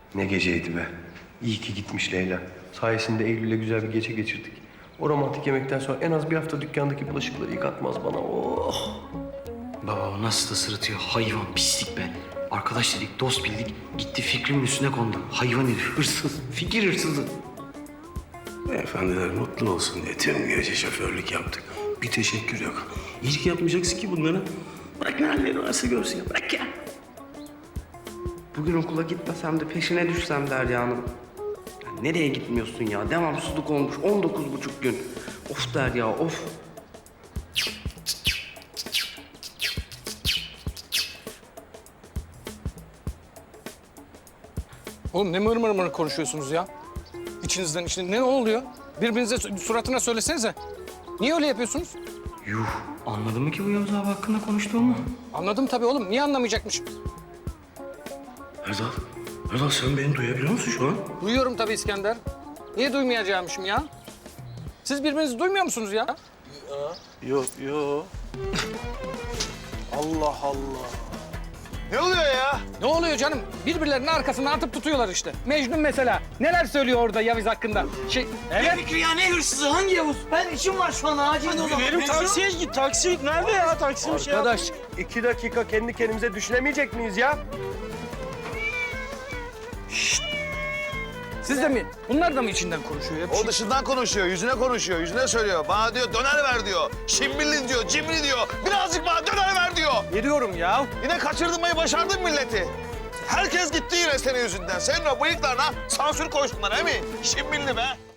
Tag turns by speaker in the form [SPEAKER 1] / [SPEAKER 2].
[SPEAKER 1] Ne geceydi be. İyi ki gitmiş Leyla. Sayesinde Eylül'le güzel bir gece geçirdik. O romantik yemekten sonra en az bir hafta dükkandaki bulaşıkları yıkatmaz bana. Oh!
[SPEAKER 2] Baba o nasıl da sırıtıyor. Hayvan, pislik be. Arkadaş dedik, dost bildik. Gitti Fikri'nin üstüne kondu. Hayvan herif, hırsız. Fikir hırsızı.
[SPEAKER 3] Beyefendiler mutlu olsun diye tüm gece şoförlük yaptık. Bir teşekkür yok. İyilik yapmayacaksın ki bunlara. Bırak ne halleri varsa görsün ya. Bırak ya.
[SPEAKER 4] Bugün okula gitmesem de peşine düşsem Derya'nın. Ya nereye gitmiyorsun ya? Devamsızlık olmuş 19,5 gün. Of Derya of.
[SPEAKER 5] Oğlum ne mır konuşuyorsunuz ya? İçinizden içine ne oluyor? Birbirinize suratına söylesenize. Niye öyle yapıyorsunuz?
[SPEAKER 2] Yuh, anladın mı ki bu Yavuz abi hakkında konuştuğumu?
[SPEAKER 5] Anladım tabii oğlum. Niye anlamayacakmışım?
[SPEAKER 3] Erdal sen beni duyabiliyor musun şu an?
[SPEAKER 5] Duyuyorum tabii İskender. Niye duymayacağımışım ya? Siz birbirinizi duymuyor musunuz ya?
[SPEAKER 3] Yok.
[SPEAKER 6] Allah Allah.
[SPEAKER 7] Ne oluyor ya?
[SPEAKER 5] Ne oluyor canım? Birbirlerinin arkasından atıp tutuyorlar işte. Mecnun mesela. Neler söylüyor orada Yavuz hakkında? Evet.
[SPEAKER 2] Fikri ya ne hırsızı? Hangi Yavuz? Ben işim var şu an acil o zaman.
[SPEAKER 6] Benim taksiye git. Taksi nerede ya? Taksi bir şey yap.
[SPEAKER 1] Arkadaş, 2 dakika kendi kendimize düşünemeyecek miyiz ya?
[SPEAKER 5] Siz de mi? Bunlar da mı içinden konuşuyor? Hep
[SPEAKER 7] O dışından konuşuyor, yüzüne konuşuyor, yüzüne söylüyor. Bana diyor döner ver diyor. Şimbilli diyor, cimri diyor. Birazcık bana döner ver diyor.
[SPEAKER 5] Ne diyorum ya?
[SPEAKER 7] Yine kaçırdırmayı başardın milleti. Herkes gitti yine senin yüzünden. Senin o bıyıklarına sansür koysunlar he mi? Şimbilli be.